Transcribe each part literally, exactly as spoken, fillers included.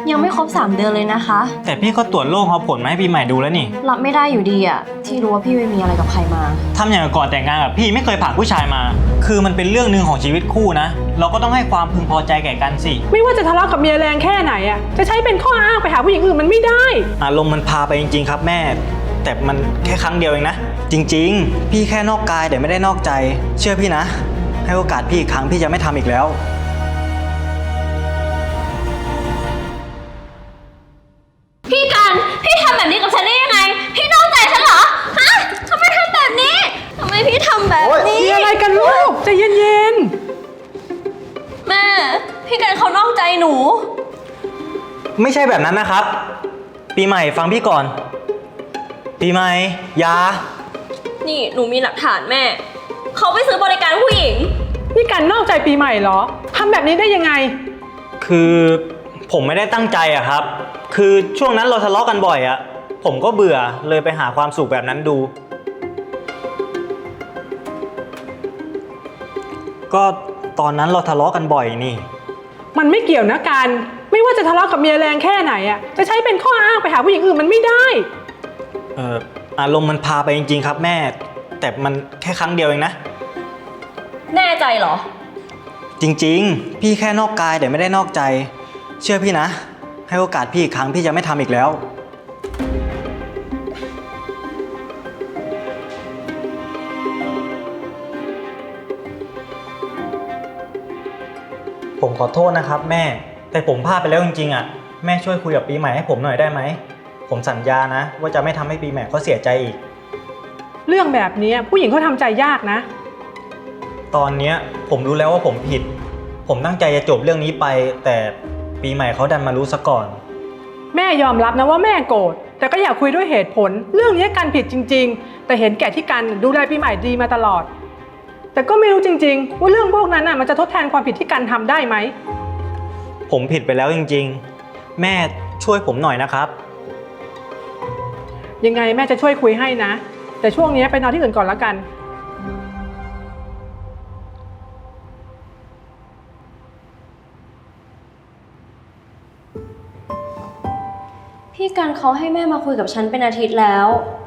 ยังไม่ครบสามเดือนเลยนะคะแต่พี่ก็ตรวจโรคเอาผลมาให้ปีใหม่ดูแล้วนี่รับไม่ได้อยู่ดีอะที่รู้ว่าพี่ไม่มีอะไรกับใครมาทำอย่างก่อนแต่งงานกับพี่ไม่เคยผ่านผู้ชายมา คือมันเป็นเรื่องหนึ่งของชีวิตคู่นะเราก็ต้องให้ความพึงพอใจแก่กันสิไม่ว่าจะทะเลาะกับเมียแรงแค่ไหนอะจะใช้เป็นข้ออ้างไปหาผู้หญิงอื่นมันไม่ได้อารมณ์มันพาไปจริงๆครับแม่แต่มันแค่ครั้งเดียวเองนะจริงๆพี่แค่นอกกายแต่ไม่ได้นอกใจเชื่อพี่นะให้โอกาสพี่อีกครั้งพี่จะไม่ทำอีกแล้วพี่กันพี่ทำแบบนี้กับฉันได้ยังไงพี่นอกใจฉันเหรอฮะทำไมทำแบบนี้ทำไมพี่ทำแบบนี้มีอะไรกันลูกใจเย็นๆแม่พี่กันเขานอกใจหนูไม่ใช่แบบนั้นนะครับปีใหม่ฟังพี่ก่อนปีใหม่ยานี่หนูมีหลักฐานแม่เขาไปซื้อบริการผู้หญิงนี่กันนอกใจปีใหม่เหรอทำแบบนี้ได้ยังไงคือผมไม่ได้ตั้งใจอะครับคือช่วงนั้นเราทะเลาะกันบ่อยอะผมก็เบื่อเลยไปหาความสุขแบบนั้นดูก็ตอนนั้นเราทะเลาะกันบ่อยนี่มันไม่เกี่ยวนะกันไม่ว่าจะทะเลาะกับเมียแรงแค่ไหนอะจะใช้เป็นข้ออ้างไปหาผู้หญิงอื่นมันไม่ได้เอ่ออารมณ์มันพาไปจริงๆครับแม่แต่มันแค่ครั้งเดียวเองนะแน่ใจเหรอจริงๆพี่แค่นอกกายแต่ไม่ได้นอกใจเชื่อพี่นะให้โอกาสพี่อีกครั้งพี่จะไม่ทำอีกแล้วผมขอโทษนะครับแม่แต่ผมพลาดไปแล้วจริงๆอ่ะแม่ช่วยคุยกับปีใหม่ให้ผมหน่อยได้ไหมผมสัญญานะว่าจะไม่ทำให้ปีใหม่เขาเสียใจอีกเรื่องแบบนี้ผู้หญิงเขาทำใจยากนะตอนนี้ผมรู้แล้วว่าผมผิดผมตั้งใจจะจบเรื่องนี้ไปแต่ปีใหม่เขาดันมารู้ซะก่อนแม่ยอมรับนะว่าแม่โกรธแต่ก็อยากคุยด้วยเหตุผลเรื่องนี้กันผิดจริงๆแต่เห็นแก่ที่กันดูแลปีใหม่ดีมาตลอดแต่ก็ไม่รู้จริงๆว่าเรื่องพวกนั้นน่ะมันจะทดแทนความผิดที่กันทำได้ไหมผมผิดไปแล้วจริงๆแม่ช่วยผมหน่อยนะครับยังไงแม่จะช่วยคุยให้นะแต่ช่วงนี้ไปนอนที่อื่นก่อนแล้วกันพี่กันเขาให้แม่มาคุยกับฉันเป็นอาทิตย์แล้ว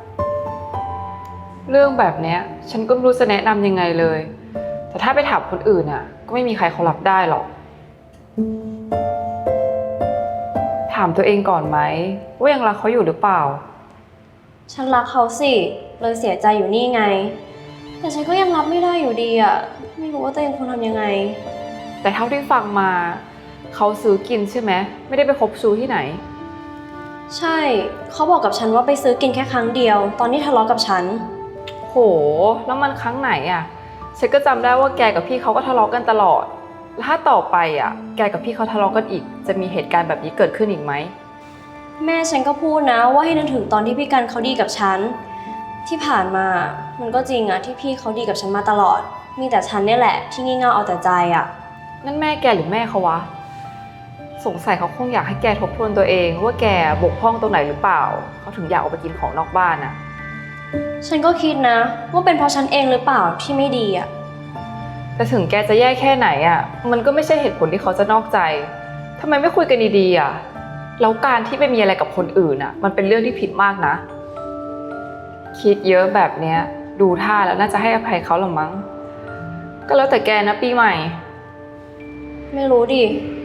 เรื่องแบบนี้ฉันก็ไม่รู้จะแนะนำยังไงเลยแต่ถ้าไปถามคนอื่นอ่ะก็ไม่มีใครเขารับได้หรอกถามตัวเองก่อนไหมว่ายังรักเขาอยู่หรือเปล่าฉันรักเขาสิเลยเสียใจอยู่นี่ไงแต่ฉันก็ยังรับไม่ได้อยู่ดีอ่ะไม่รู้ว่าตัวเองควรทำยังไงแต่เท่าที่ฟังมาเขาซื้อกินใช่ไหมไม่ได้ไปคบชู้ที่ไหนใช่เขาบอกกับฉันว่าไปซื้อกินแค่ครั้งเดียวตอนที่ทะเลาะกับฉันโหแล้วมันครั้งไหนอ่ะฉันก็จำได้ว่าแกกับพี่เขาก็ทะเลาะกันตลอดแล้วถ้าต่อไปอ่ะแกกับพี่เขาทะเลาะกันอีกจะมีเหตุการณ์แบบนี้เกิดขึ้นอีกไหมแม่ฉันก็พูดนะว่าให้นึกถึงตอนที่พี่กันเขาดีกับฉันที่ผ่านมามันก็จริงอะที่พี่เขาดีกับฉันมาตลอดมีแต่ฉันเนี่ยแหละที่งี่เง่าเอาแต่ใจอะนั่นแม่แกหรือแม่เขาวะสงสัยเขาคงอยากให้แกทบทวนตัวเองว่าแกบกพร่องตรงไหนหรือเปล่าเขาถึงอยากออกไปกินของนอกบ้านอะฉันก็คิดนะว่าเป็นเพราะฉันเองหรือเปล่าที่ไม่ดีอะแต่ถึงแกจะแย่แค่ไหนอะมันก็ไม่ใช่เหตุผลที่เขาจะนอกใจทำไมไม่คุยกันดีๆอะแล้วการที่ไปมีอะไรกับคนอื่นอ่ะมันเป็นเรื่องที่ผิดมากนะคิดเยอะแบบเนี้ยดูท่าแล้วน่าจะให้อภัยเขาหรอมั้งก็แล้วแต่แกนะปีใหม่ไม่รู้ดิ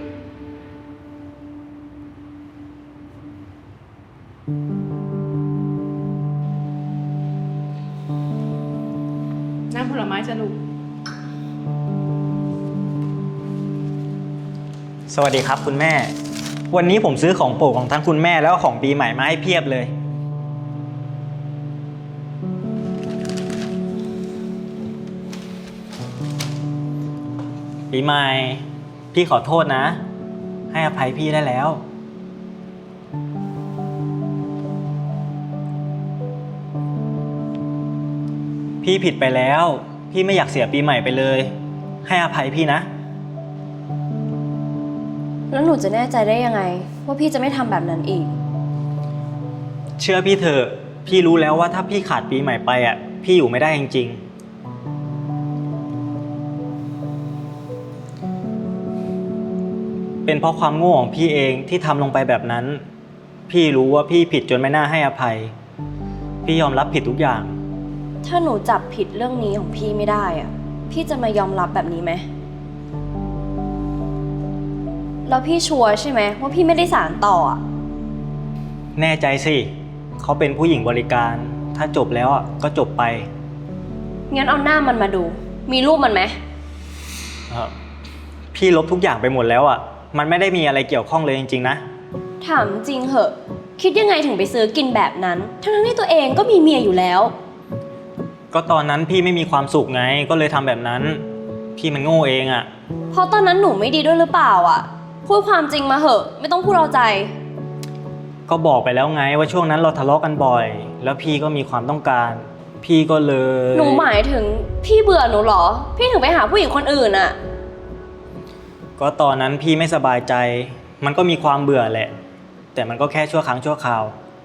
น้ำผลไม้จะลูกสวัสดีครับคุณแม่วันนี้ผมซื้อของโปรดของทั้งคุณแม่แล้วก็ของปีใหม่มาให้เพียบเลยปีใหม่พี่ขอโทษนะให้อภัยพี่ได้แล้วพี่ผิดไปแล้วพี่ไม่อยากเสียปีใหม่ไปเลยให้อภัยพี่นะแล้วหนูจะแน่ใจได้ยังไงว่าพี่จะไม่ทำแบบนั้นอีกเชื่อพี่เถอะพี่รู้แล้วว่าถ้าพี่ขาดปีใหม่ไปอ่ะพี่อยู่ไม่ได้จริงๆ ปีเป็นเพราะความโง่ของพี่เองที่ทำลงไปแบบนั้น พี่รู้ว่าพี่ผิดจนไม่น่าให้อภัย พี่ยอมรับผิดทุกอย่างถ้าหนูจับผิดเรื่องนี้ของพี่ไม่ได้อะพี่จะมายอมรับแบบนี้ไหมแล้วพี่ชัวร์ใช่ไหมว่าพี่ไม่ได้สารต่ออะแน่ใจสิเขาเป็นผู้หญิงบริการ ถ้าจบแล้วอ่ะก็จบไปงั้นเอาหน้ามันมาดู มีรูปมันไหมเอ่อพี่ลบทุกอย่างไปหมดแล้วอ่ะมันไม่ได้มีอะไรเกี่ยวข้องเลยจริงๆนะถามจริงเหอะ คิดยังไงถึงไปซื้อกินแบบนั้น ทั้งๆที่ตัวเองก็มีเมียอยู่แล้วก็ตอนนั้นพี่ไม่มีความสุขไงก็เลยทำแบบนั้น พี่มันโง่เองอ่ะเพราะตอนนั้นหนูไม่ดีด้วยหรือเปล่าอ่ะ พูดความจริงมาเหอะ ไม่ต้องพูดเอาใจก็บอกไปแล้วไงว่าช่วงนั้นเราทะเลาะกันบ่อย แล้วพี่ก็มีความต้องการ พี่ก็เลยหนูหมายถึงพี่เบื่อหนูเหรอ พี่ถึงไปหาผู้หญิงคนอื่นอ่ะก็ตอนนั้นพี่ไม่สบายใจ มันก็มีความเบื่อแหละ แต่มันก็แค่ชั่วครั้งชั่วคราว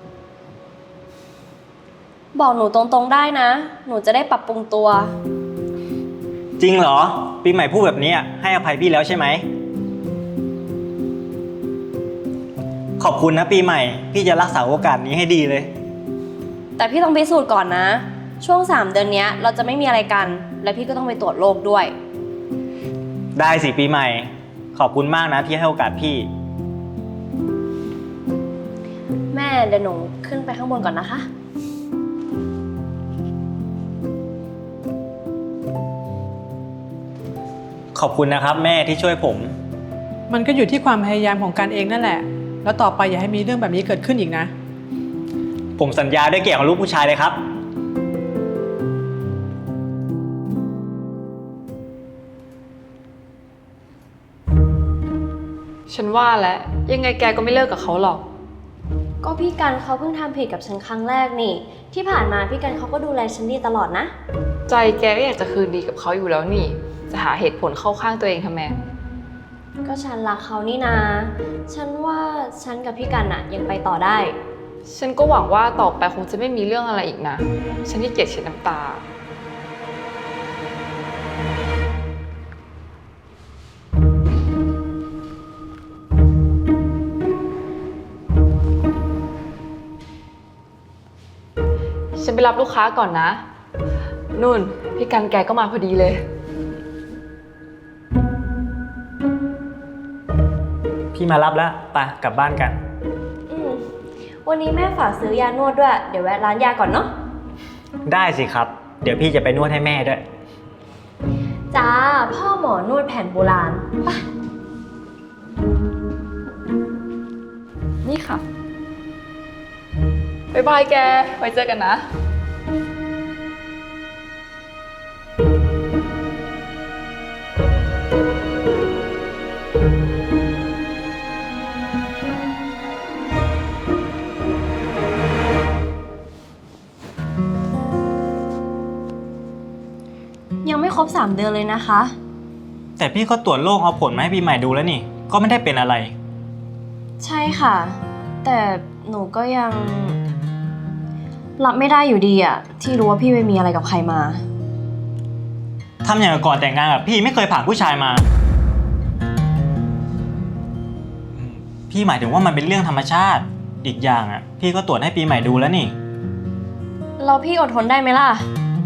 บอกหนูตรงๆได้นะ หนูจะได้ปรับปรุงตัวจริงเหรอ ปีใหม่พูดแบบนี้อะให้อภัยพี่แล้วใช่ไหม ขอบคุณนะปีใหม่ พี่จะรักษาโอกาสนี้ให้ดีเลยแต่พี่ต้องพิสูจน์ก่อนนะ ช่วงสามเดือนเนี้ยเราจะไม่มีอะไรกัน และพี่ก็ต้องไปตรวจโรคด้วยได้สิปีใหม่ ขอบคุณมากนะที่ให้โอกาสพี่แม่เดี๋ยวหนูขึ้นไปข้างบนก่อนนะคะขอบคุณนะครับแม่ที่ช่วยผมมันก็อยู่ที่ความพยายามของการเองนั่นแหละ แล้วต่อไปอย่าให้มีเรื่องแบบนี้เกิดขึ้นอีกนะผมสัญญาด้วยเกียรติของลูกผู้ชายเลยครับฉันว่าแล้วยังไงแกก็ไม่เลิกกับเขาหรอกก็พี่กันเขาเพิ่งทำผิดกับฉันครั้งแรกนี่ ที่ผ่านมาพี่กันเขาก็ดูแลฉันดีตลอดนะใจแกก็อยากจะคืนดีกับเขาอยู่แล้วนี่ จะหาเหตุผลเข้าข้างตัวเองทำไมก็ฉันรักเขานี่นา ฉันว่าฉันกับพี่กันอะยังไปต่อได้ฉันก็หวังว่าต่อไปคงจะไม่มีเรื่องอะไรอีกนะ ฉันที่เกลียดเช็ดน้ำตา ฉันไปรับลูกค้าก่อนนะ นุ่น พี่กันแกก็มาพอดีเลยพี่มารับแล้วไปกลับบ้านกันอืมวันนี้แม่ฝากซื้อยานวดด้วย เดี๋ยวแวะร้านยาก่อนเนาะได้สิครับ เดี๋ยวพี่จะไปนวดให้แม่ด้วยจ้า พ่อหมอนวดแผนโบราณไปนี่ค่ะ บ๊ายบายแก ไว้เจอกันนะยังไม่ครบสามเดือนเลยนะคะแต่พี่ก็ตรวจโรคเอาผลมาให้ปีใหม่ดูแล้วนี่ ก็ไม่ได้เป็นอะไรใช่ค่ะ แต่หนูก็ยัง รับไม่ได้อยู่ดีอะที่รู้ว่าพี่ไปมีอะไรกับใครมาทำอย่างกับก่อนแต่งงานกับพี่ไม่เคยผ่านผู้ชายมา พี่หมายถึงว่ามันเป็นเรื่องธรรมชาติ อีกอย่างอ่ะ พี่ก็ตรวจให้ปีใหม่ดูแล้วนี่เราพี่อดทนได้ไหมล่ะ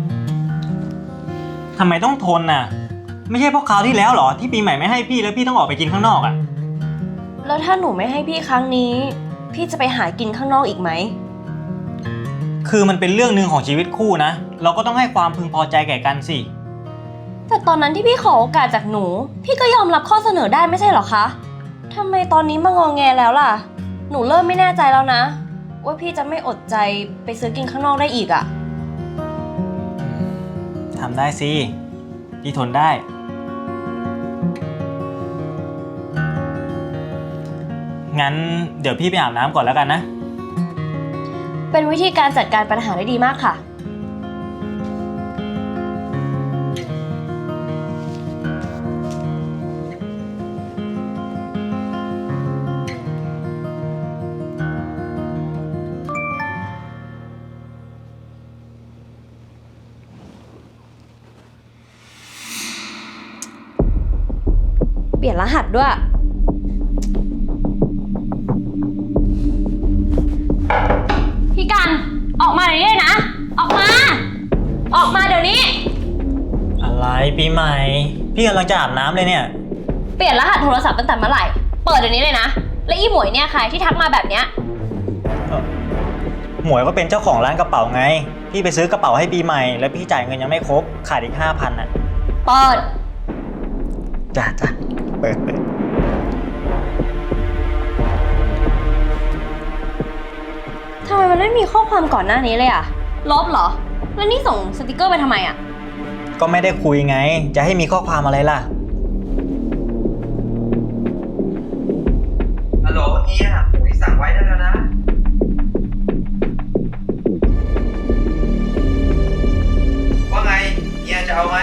ทำไมต้องทนน่ะ ไม่ใช่เพราะคราวที่แล้วเหรอที่ปีใหม่ไม่ให้พี่แล้วพี่ต้องออกไปกินข้างนอกอ่ะแล้วถ้าหนูไม่ให้พี่ครั้งนี้ พี่จะไปหากินข้างนอกอีกไหมคือมันเป็นเรื่องหนึ่งของชีวิตคู่นะ เราก็ต้องให้ความพึงพอใจแก่กันสิแต่ตอนนั้นที่พี่ขอโอกาสจากหนู พี่ก็ยอมรับข้อเสนอได้ไม่ใช่เหรอคะทำไมตอนนี้มางอแงแล้วล่ะ หนูเริ่มไม่แน่ใจแล้วนะ ว่าพี่จะไม่อดใจไปซื้อกินข้างนอกได้อีกอะทำได้สิ พี่ทนได้ งั้นเดี๋ยวพี่ไปอาบน้ำก่อนแล้วกันนะเป็นวิธีการจัดการปัญหาได้ดีมากค่ะ เปลี่ยนรหัสด้วยปีใหม่ พี่กำลังจะอาบน้ำเลยเนี่ยเปลี่ยนรหัสโทรศัพท์ตั้งแต่เมื่อไหร่ เปิดเดี๋ยวนี้เลยนะ และอีหมวยเนี่ยใครที่ทักมาแบบเนี้ยหมวยก็เป็นเจ้าของร้านกระเป๋าไง พี่ไปซื้อกระเป๋าให้ปีใหม่ แล้วพี่จ่ายเงินยังไม่ครบ ขาดอีกห้าพันอ่ะเปิดจ้าจ้าเปิดเปิดทำไมมันไม่มีข้อความก่อนหน้านี้เลยอะลบเหรอ แล้วนี่ส่งสติกเกอร์ไปทำไมอะก็ไม่ได้คุยไง จะให้มีข้อความอะไรล่ะฮัลโหลเฮียผมที่สั่งไว้ได้แล้วนะ ว่าไงเฮียจะเอาไหม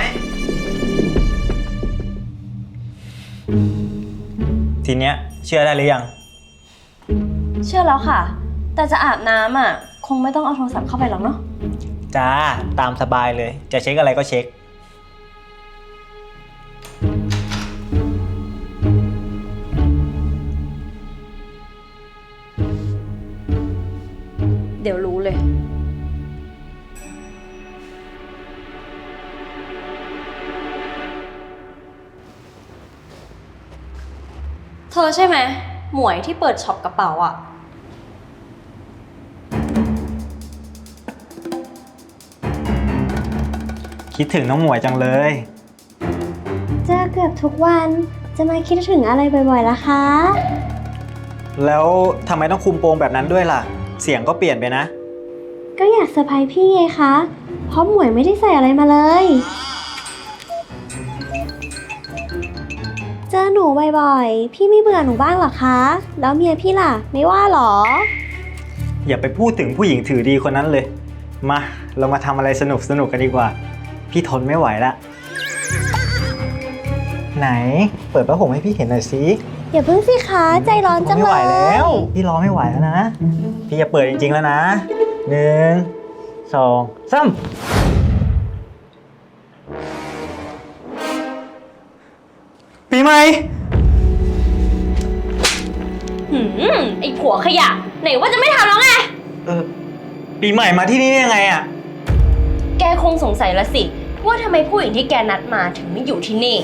ทีเนี้ยเชื่อได้หรือยังเชื่อแล้วค่ะ แต่จะอาบน้ำอะคงไม่ต้องเอาโทรศัพท์เข้าไปหรอกเนาะจ้า ตามสบายเลย จะเช็คอะไรก็เช็คเดี๋ยวรู้เลย เธอใช่ไหม หมวยที่เปิดช็อปกระเป๋าอะคิดถึงน้องหมวยจังเลยเจอเกือบทุกวันจะมาคิดถึงอะไรบ่อยๆล่ะคะแล้วทำไมต้องคุมโปงแบบนั้นด้วยล่ะ เสียงก็เปลี่ยนไปนะก็อยากเซอร์ไพรส์พี่ไงคะ เพราะหมวยไม่ได้ใส่อะไรมาเลย เจอหนูบ่อยๆ พี่ไม่เบื่อหนูบ้างเหรอคะ แล้วเมียพี่ล่ะ ไม่ว่าหรออย่าไปพูดถึงผู้หญิงถือดีคนนั้นเลย มา เรามาทำอะไรสนุกสนุกกันดีกว่า พี่ทนไม่ไหวละ ไหน เปิดผ้าห่มให้พี่เห็นหน่อยสิอย่าเพิ่งสิคะ ใจร้อนจังไม่เลไหวย แล้ว พี่รอไม่ไหวแล้วนะ พี่จะเปิดจริงๆแล้วนะ หนึ่ง สองสามปีใหม่หืมไอ้ผัวขยะ ไหนว่าจะไม่ทำแล้วไงเออ ปีใหม่มาที่นี่ได้ยังไงอะแกคงสงสัยละสิ ว่าทำไมผู้หญิงที่แกนัดมาถึงไม่อยู่ที่นี่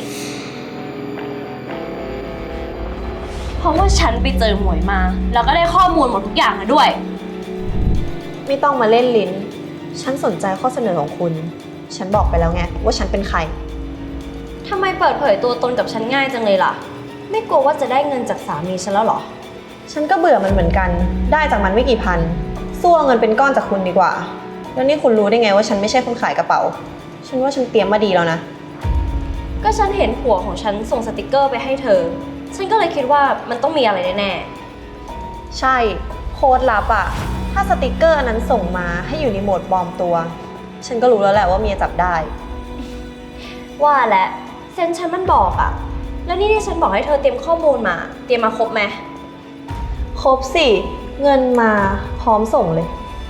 เพราะว่าฉันไปเจอหมวยมา แล้วก็ได้ข้อมูลหมดทุกอย่างมาด้วยไม่ต้องมาเล่นลิ้น ฉันสนใจข้อเสนอของคุณ ฉันบอกไปแล้วไงว่าฉันเป็นใครทำไมเปิดเผยตัวตนกับฉันง่ายจังเลยล่ะ ไม่กลัวว่าจะได้เงินจากสามีฉันแล้วเหรอฉันก็เบื่อมันเหมือนกัน ได้จากมันไม่กี่พัน สู้เอาเงินเป็นก้อนจากคุณดีกว่า แล้วนี่คุณรู้ได้ไงว่าฉันไม่ใช่คนขายกระเป๋า ฉันว่าฉันเตรียมมาดีแล้วนะก็ฉันเห็นผัวของฉันส่งสติกเกอร์ไปให้เธอ ฉันก็เลยคิดว่ามันต้องมีอะไรแน่ใช่ โค้ดลับอะถ้าสติกเกอร์อันนั้นส่งมาให้อยู่ในโหมดปลอมตัว ฉันก็รู้แล้วแหละว่าเมียจับได้ๆว่าและเซนฉันมันบอกอะแล้วนี่ที่ฉันบอกให้เธอเตรียมข้อมูลมา เตรียมมาครบไหมครบสิ เงินมาพร้อมส่งเลย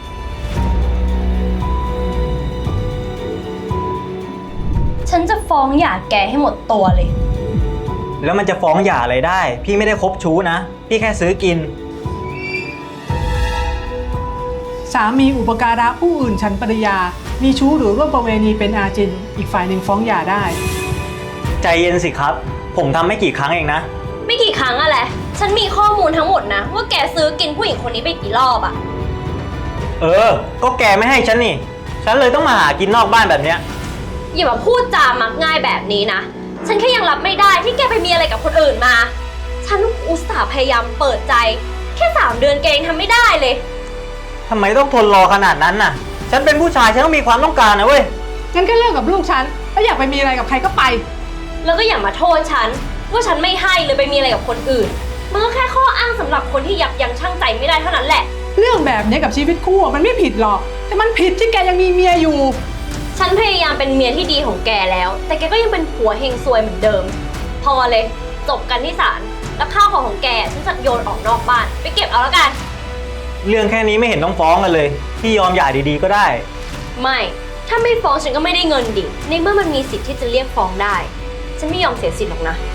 ฉันจะฟ้องหย่าแกให้หมดตัวเลยแล้วมันจะฟ้องหย่าอะไรได้ พี่ไม่ได้คบชู้นะ พี่แค่ซื้อกินสามีอุปการะผู้อื่นฉันปริยา มีชู้หรือร่วมประเวณีเป็นอาจิน อีกฝ่ายหนึ่งฟ้องหย่าได้ใจเย็นสิครับ ผมทำไม่กี่ครั้งเองนะไม่กี่ครั้งอะแหละฉันมีข้อมูลทั้งหมดนะ ว่าแกซื้อกินผู้หญิงคนนี้ไปกี่รอบอะเออ ก็แกไม่ให้ฉันนี่ ฉันเลยต้องมาหากินนอกบ้านแบบเนี้ยอย่ามาพูดจามักง่ายแบบนี้นะ ฉันแค่ยังรับไม่ได้ที่แกไปมีอะไรกับคนอื่นมา ฉันอุตส่าห์พยายามเปิดใจ แค่สามเดือนแกยังทำไม่ได้เลยทำไมต้องทนรอขนาดนั้นน่ะ ฉันเป็นผู้ชายฉันต้องมีความต้องการนะเว้ยงั้นก็เลิกกับลูกฉันแล้วอยากไปมีอะไรกับใครก็ไปแล้วก็อย่ามาโทษฉันว่าฉันไม่ให้เลยไปมีอะไรกับคนอื่น มันก็แค่ข้ออ้างสำหรับคนที่ยับยั้งชั่งใจไม่ได้เท่านั้นแหละเรื่องแบบนี้กับชีวิตคู่มันไม่ผิดหรอก แต่มันผิดที่แกยังมีเมียอยู่ฉันพยายามเป็นเมียที่ดีของแกแล้ว แต่แกก็ยังเป็นผัวเฮงซวยเหมือนเดิม พอเลย จบกันที่ศาล แล้วข้าวของของแกฉันจะโยนออกนอกบ้าน ไปเก็บเอาแล้วกันเรื่องแค่นี้ไม่เห็นต้องฟ้องกันเลย พี่ยอมหย่าดีๆก็ได้ไม่ ถ้าไม่ฟ้องฉันก็ไม่ได้เงินดิ ในเมื่อมันมีสิทธิ์ที่จะเรียกฟ้องได้ ฉันไม่ยอมเสียสิทธิ์หรอกนะ